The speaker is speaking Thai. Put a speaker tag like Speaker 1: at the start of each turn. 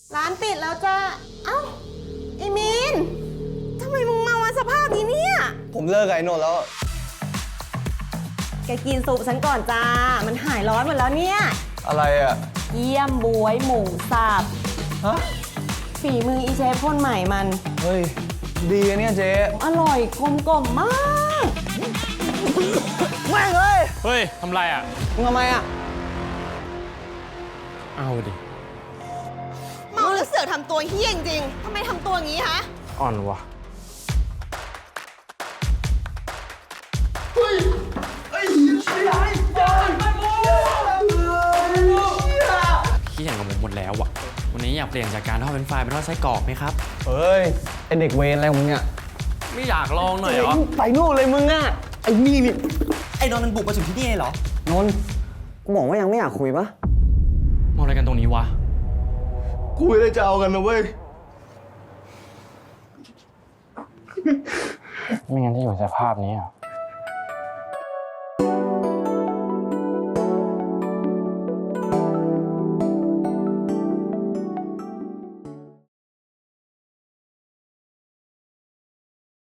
Speaker 1: ร้านปิดแล้วจ้าเอ้าไอ้มีนทำไมมึงมาวันสภาพนี้เนี่ย
Speaker 2: ผมเลิกกับไอ้โนนแล้ว
Speaker 1: แกกินซุปฉันก่อนจ้า มันหายร้อนหมดแล้วเนี่ย
Speaker 2: อะไรอ่ะ
Speaker 1: เยี่ยมบวยหมูสับ
Speaker 2: ฮะ
Speaker 1: ฝีมืออีเชฟคนใหม่มัน
Speaker 2: เฮ้ย ดีอะเนี่ยเจ๊
Speaker 1: อร่อยกลมกล่อมมาก
Speaker 2: แม่งเอ้ย
Speaker 3: เฮ้ย ทำไรอ่ะ
Speaker 2: มึงทำไมอ่ะ
Speaker 3: เอาดิ
Speaker 1: เมาแล้วเสือกทำตัวเฮี้ยจริงๆทำไมทำตัวอย่างนี้ฮะ
Speaker 3: อ่อนวะขี้แข่งกับผมหมดแล้วอ่ะ วันนี้อยากเปลี่ยนจากการทอดเป็นไฟเป็นทอดไส้กรอกไหมครับ
Speaker 2: เฮ้ย ไอเด็กเวรอะไรของมึงอ่ะ
Speaker 3: ไม่อยากลองหน่อยเหรอ
Speaker 2: ไปนู่นเลยมึงอ่ะ ไอ้นี่นี่
Speaker 4: ไอ้นนท์มันบุกมาถึงที่นี่เลยเหรอ
Speaker 2: นนท์กูบอกว่ายังไม่อยากคุยปะ
Speaker 3: มองอะไรกันตรงนี้วะ
Speaker 2: คุยแล้วจะเอากันนะเว้ย
Speaker 3: ไม่งั้นที่อยู่สภาพนี้อ่ะ